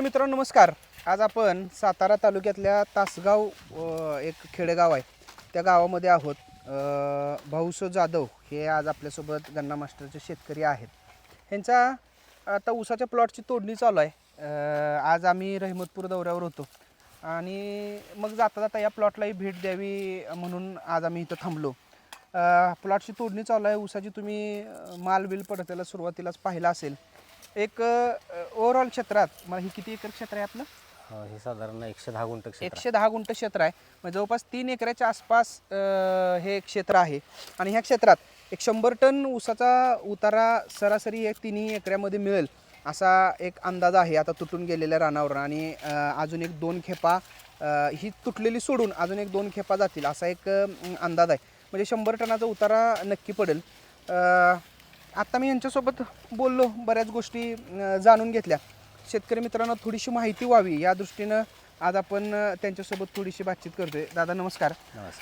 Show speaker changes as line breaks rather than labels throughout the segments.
मित्रांनो नमस्कार. आज आपण सातारा तालुक्यातल्या तासगाव एक खेडेगाव आहे त्या गावामध्ये आहोत. भाऊसो जाधव हे आज आपल्यासोबत गन्ना मास्टरचे शेतकरी आहेत. ह्यांचा आता ऊसाच्या प्लॉटची तोडणी चालू आहे. आज आम्ही रहिमतपूर दौऱ्यावर होतो आणि मग जाता जाता या प्लॉटलाही भेट द्यावी म्हणून आज आम्ही इथं थांबलो. प्लॉटची तोडणी चालू आहे. ऊसाची तुम्ही माल बिल पडताना सुरुवातीलाच पाहिला असेल. एक ओव्हरऑल क्षेत्रात मग ही किती एकर क्षेत्र आहे आपलं?
हे साधारण 110 गुंठ क्षेत्र
110 गुंठ क्षेत्र आहे. म्हणजे जवळपास 3 एकराच्या आसपास हे क्षेत्र आहे. आणि ह्या क्षेत्रात एक 100 टन ऊसाचा उतारा सरासरी एक 3 एकरामध्ये मिळेल असा एक अंदाज आहे आता तुटून गेलेल्या रानावर. आणि अजून एक 2 खेपा ही तुटलेली सोडून अजून एक 2 खेपा जातील असा एक अंदाज आहे. म्हणजे 100 टनाचा उतारा नक्की पडेल. आत्ता मी यांच्यासोबत बोललो, बऱ्याच गोष्टी जाणून घेतल्या. शेतकरी मित्रांना थोडीशी माहिती व्हावी या दृष्टीनं आज आपण त्यांच्यासोबत थोडीशी बातचीत करतोय. दादा नमस्कार.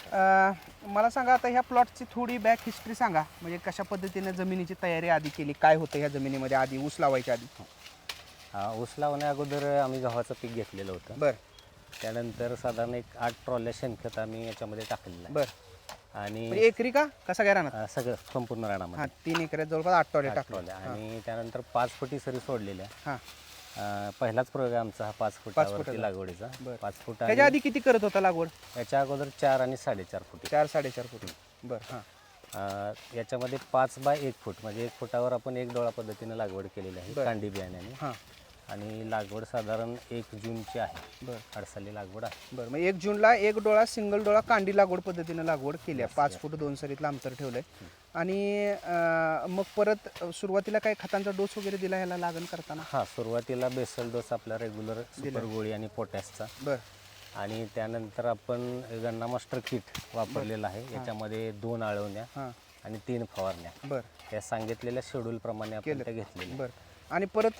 मला सांगा आता ह्या प्लॉटची थोडी बॅक हिस्ट्री सांगा. म्हणजे कशा पद्धतीने जमिनीची तयारी आधी केली, काय होतं ह्या जमिनीमध्ये आधी ऊस लावायच्या आधी?
ऊस लावण्या अगोदर आम्ही गव्हाचं पीक घेतलेलं होतं.
बरं.
त्यानंतर साधारण एक 8 ट्रॉल्या शेणखत आम्ही याच्यामध्ये टाकलेलं आहे.
बरं.
आणि
म्हणजे एकरी का कसा काय राहणार?
सगळं संपूर्ण रानामध्ये
3 एकरात जवळपास 8 टॉले टाकले.
आणि त्यानंतर 5 फुटी सरी सोडलेल्या.
हां.
पहिलाच प्रयोग आहे आमचा हा 5 फुटावरती लागवडीचा. 5 फूट.
त्याच्या आधी किती करत होता लागवड?
याच्या अगोदर 4 आणि 4.5 फुटी.
4-4.5 फूट. बरं. हां.
याच्यामध्ये 5 बाय 1 फूट म्हणजे 1 फुटावर आपण 1 डोळा पद्धतीने लागवड केलेली आहे कांडी बियाण्याने.
हां.
आणि लागवड साधारण 1 जूनची आहे.
बरं.
अडसाली लागवड आहे.
बरं. मग 1 जूनला 1 डोळा सिंगल डोळा कांडी लागवड पद्धतीने लागवड केली आहे. 5 फूट 2 सरीतलं अंतर ठेवलंय. आणि मग परत सुरुवातीला काही खतांचा डोस वगैरे दिला ह्याला लागण करताना?
हां, सुरुवातीला बेसल डोस आपला रेग्युलर सुपर गोळी आणि पोटॅशचा.
बरं.
आणि त्यानंतर आपण गन्ना मास्टर किट वापरलेलं आहे. याच्यामध्ये 2 आळवण्या आणि 3 फवारण्या.
बरं.
या सांगितलेल्या शेड्यूल प्रमाणे आपण त्या घेतलेल्या.
बरं. आणि परत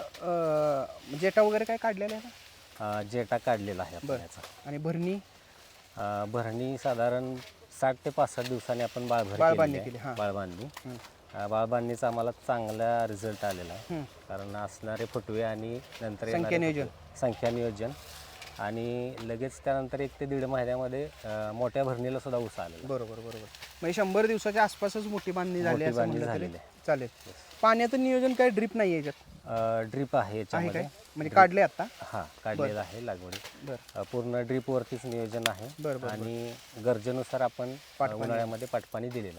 जेटा वगैरे काय काढलेला आहे का?
जेटा काढलेला आहे आपण याचा.
आणि भरणी?
भरणी साधारण 60 ते 65 दिवसांनी आपण
बाळबांधणी केली.
बाळबांधणी. बाळबांधणीचा आम्हाला चांगला रिझल्ट आलेला आहे. कारण असणारे फुटवे आणि नंतर संख्या नियोजन आणि लगेच त्यानंतर 1 ते 1.5 महिन्यामध्ये मोठ्या भरणीला सुद्धा ऊस आलेला.
बरोबर. म्हणजे 100 दिवसाच्या आसपासच मोठी बांधणी झाली असं म्हणलं तरी चालेल. पाण्याचं नियोजन काय ड्रीप नाही याच्यात?
ड्रीप आहे याच्यामध्ये.
म्हणजे काढले आता?
हां, काढलेलं आहे लागवडी.
बरं.
पूर्ण ड्रीपवरतीच नियोजन आहे. आणि गरजेनुसार आपण उन्हाळ्यामध्ये पाटपाणी दिलेलं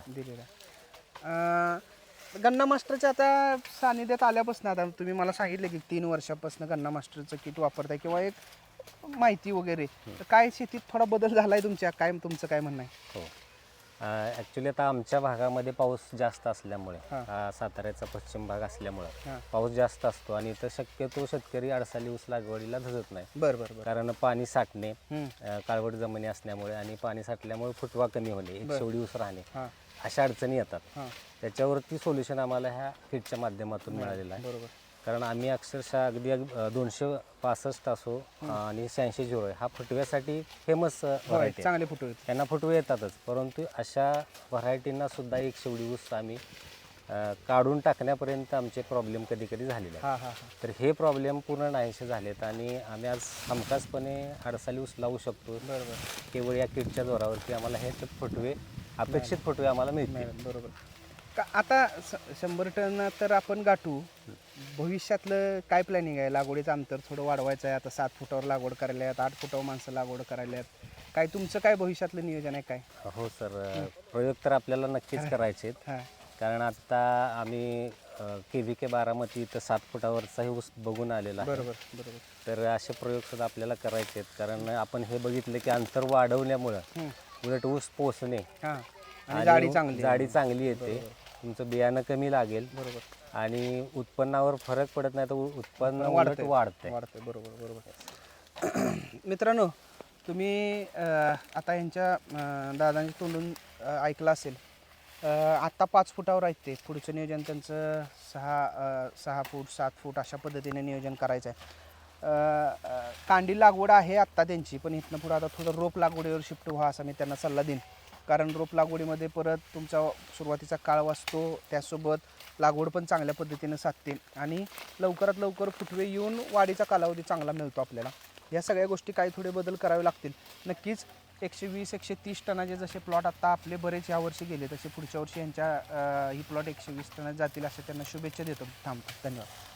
आहे. गन्ना मास्टरच्या आता सानिध्यात आल्यापासून आता तुम्ही मला सांगितलं की 3 वर्षापासून गन्ना मास्टरचं किट वापरताय किंवा एक माहिती वगैरे, तर काय शेतीत थोडा बदल झालाय तुमच्या? काय तुमचं काय म्हणणं आहे?
हो, ॲक्च्युली आता आमच्या भागामध्ये पाऊस जास्त असल्यामुळे, साताऱ्याचा पश्चिम भाग असल्यामुळे पाऊस जास्त असतो आणि इथं शक्यतो शेतकरी अडसाली ऊस लागवडीला धजत नाही.
बरं.
कारण पाणी साठणे, काळवट जमिनी असल्यामुळे आणि पाणी साठल्यामुळे फुटवा कमी होणे, एक शेवडी ऊस राहणे, अशा अडचणी येतात. त्याच्यावरती सोल्युशन आम्हाला ह्या किटच्या माध्यमातून मिळालेलं आहे.
बरोबर.
कारण आम्ही अक्षरशः अगदी 265 असो आणि 86-0 हा फुटव्यासाठी फेमस व्हरायटी.
चांगले फुटवे
त्यांना फुटवे येतातच, परंतु अशा व्हरायटींना सुद्धा एक शेवडी ऊस आम्ही काढून टाकण्यापर्यंत आमचे प्रॉब्लेम कधी कधी झालेले आहेत. तर हे प्रॉब्लेम पूर्ण नाहीसे झालेत आणि आम्ही आज हमखासपणे अडसाली ऊस लावू शकतो. केवळ या किटच्या जोरावरती आम्हाला हे फुटवे, अपेक्षित फुटवे आम्हाला मिळतील.
बरोबर. आता 100 टन तर आपण गाठू. भविष्यातलं काय प्लॅनिंग आहे? लागवडीचं अंतर थोडं वाढवायचं आहे. आता 7 फुटावर लागवड करायला आहेत, 8 फुटावर माणसं लागवड करायला आहेत. काय तुमचं काय भविष्यातलं नियोजन आहे काय?
हो सर, प्रयोग तर आपल्याला नक्कीच करायचे आहेत. कारण आता आम्ही KVK बारामती इथं 7 फुटावरचाही ऊस बघून आलेला आहे.
बरोबर.
तर असे प्रयोग सुद्धा आपल्याला करायचे आहेत. कारण आपण हे बघितलं की अंतर वाढवल्यामुळं उलट ऊस पोचणे
आणि
जाडी चांगली येते, तुमचं बियाणं कमी लागेल आणि उत्पन्नावर फरक पडत नाही, तर उत्पन्न उलट वाढते.
बरोबर. मित्रांनो, तुम्ही आता यांच्या दादांच्या तोंडून ऐकलं असेल. आत्ता 5 फुटावर आहेत ते. पुढचं नियोजन त्यांचं 6 फूट 7 फूट अशा पद्धतीने नियोजन करायचं आहे. कांडी लागवड आहे आत्ता त्यांची, पण इथनं पुढं आता थोडं रोप लागवडीवर शिफ्ट व्हा असा मी त्यांना सल्ला देईन. कारण रोप लागवडीमध्ये परत तुमचा सुरुवातीचा काळ वाचतो, त्यासोबत लागवड पण चांगल्या पद्धतीनं साधते आणि लवकरात लवकर फुटवे येऊन वाढीचा कालावधी चांगला मिळतो आपल्याला. या सगळ्या गोष्टी काही थोडे बदल करावे लागतील. नक्कीच 120-130 टनाचे जसे प्लॉट आता आपले बरेच यावर्षी गेले, तसे पुढच्या वर्षी यांच्या ही प्लॉट 120 टनात जातील असे त्यांना शुभेच्छा देतो. थांबतो. धन्यवाद.